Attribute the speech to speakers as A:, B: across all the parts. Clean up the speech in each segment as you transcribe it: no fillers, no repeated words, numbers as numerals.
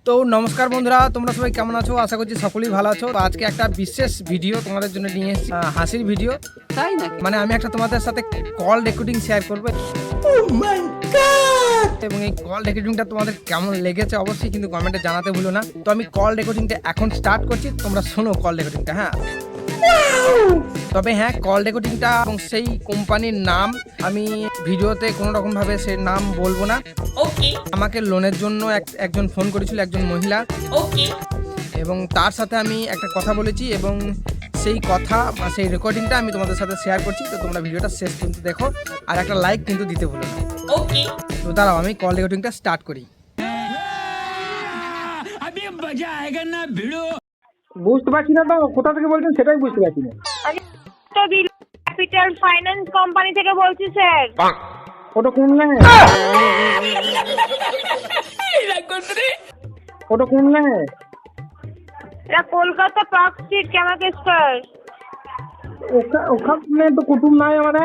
A: তো নমস্কার বন্ধুরা, তোমরা সবাই কেমন আছো? আশা করছি সকলেই ভালো আছো। তো আজকে একটা বিশেষ ভিডিও তোমাদের জন্য নিয়ে এসেছি, হাসির ভিডিও।
B: তাই নাকি?
A: মানে আমি একটা তোমাদের সাথে কল রেকর্ডিং শেয়ার করবো এবং এই কল রেকর্ডিংটা তোমাদের কেমন লেগেছে অবশ্যই কিন্তু কমেন্টে জানাতে ভুলো না। তো আমি কল রেকর্ডিংটা এখন স্টার্ট করছি, তোমরা শোনো কল রেকর্ডিংটা। হ্যাঁ, তবে হ্যাঁ, কল রেকর্ডিংটা এবং সেই কোম্পানির নাম আমি ভিডিওতে কোনো রকম ভাবে সে নাম বলবো না।
B: ওকে
A: আমাকে লোনের জন্য একজন ফোন করেছিল, একজন মহিলা,
B: ওকে।
A: এবং তার সাথে আমি একটা কথা বলেছি এবং সেই কথা বা সেই রেকর্ডিংটা আমি তোমাদের সাথে শেয়ার করছি। তো তোমরা ভিডিওটা শেষ পর্যন্ত দেখো আর একটা লাইক কিন্তু দিতে ভুলো না।
B: ওকে,
A: তো দাঁড়াও আমি কল রেকর্ডিংটা স্টার্ট করি।
C: বুঝতে পারছি না তো, কোথা থেকে বলছেন সেটাই বুঝতে পারছি না।
D: আমি তো ক্যাপিটাল ফাইন্যান্স কোম্পানি থেকে বলছি স্যার।
C: ওটা কোন লাইন? ওটা কোন লাইন?
D: এটা কলকাতা পার্ক স্ট্রিট ক্যামাকে স্কয়ার।
C: ওখানে তো কুটুম নাই আমাদের।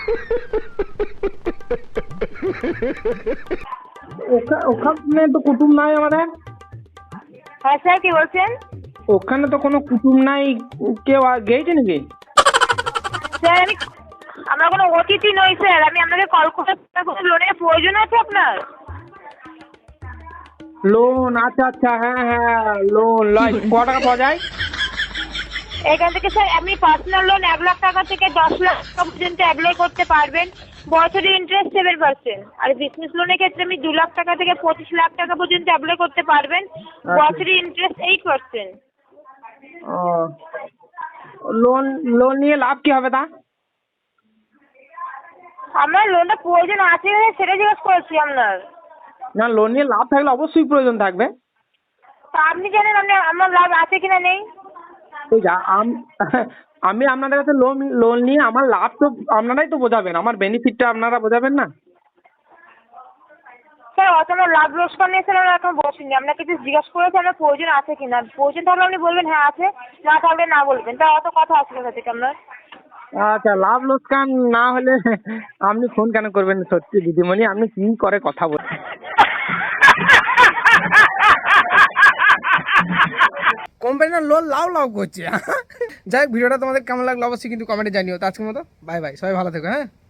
C: ওখানে তো কুটুম নাই আমাদের।
D: হ্যাঁ স্যার, কি বলছেন?
C: ওখানে তো কোনো কুটুম নাই। কেউ গেছে নাকি?
D: স্যার আমরা কোনো অতিথি নই স্যার। আমি আপনাকে কল করে কোনো লোনের প্রয়োজন আছে আপনার?
C: লোন? আচ্ছা আচ্ছা, হ্যাঁ হ্যাঁ, লোন লয়। ক টাকা পাওয়া যায়
D: এখান থেকে স্যার আপনি পার্সোনাল লোন 1,00,000 টাকা থেকে 10 লাখ টাকা পর্যন্ত অ্যাপ্লাই করতে পারবেন। বছরে ইন্টারেস্ট 7%। আর বিজনেস লোনের ক্ষেত্রে আপনি 2 লাখ টাকা থেকে 25 লাখ টাকা পর্যন্ত অ্যাপ্লাই করতে পারবেন। বছরে ইন্টারেস্ট 8%।
C: লোন লোন নিয়ে লাভ কি হবে তা?
D: আমার লোনটা প্রয়োজন আছে সেটা জিজ্ঞেস করেছি আপনার।
C: না, লোন নিয়ে লাভ থাকলে অবশ্যই প্রয়োজন থাকবে।
D: তা আপনি জানেন আমার লাভ আছে কিনা নেই?
C: ওই যা আমি আপনাদের কাছে লোন নিয়ে আমার লাভ তো আপনারাই তো বোঝাবেন, আমার বেনিফিটটা আপনারা বোঝাবেন না।
D: স্যার অত আমার লাভ লোকসান নিয়ে স্যার আমরা এখন বসিনি। আপনাকে কিছু জিজ্ঞাসা করেছি আপনার প্রয়োজন আছে কিনা। প্রয়োজন থাকলে আপনি বলবেন হ্যাঁ আছে, না থাকলে না বলবেন। তা অত কথা আছে কোথা থেকে আপনার?
C: আচ্ছা, লাভ লোকসান না হলে আপনি ফোন কেন করবেন? সত্যি দিদিমণি, আপনি কি করে কথা বলেন।
A: কোম্পানির লোন লাভ লাভ করছে। যাই হোক, ভিডিওটা তোমাদের কেমন লাগলো অবশ্যই কিন্তু কমেন্টে জানিও। তো আজকের মতো বাই বাই, সবাই ভালো থেকো। হ্যাঁ।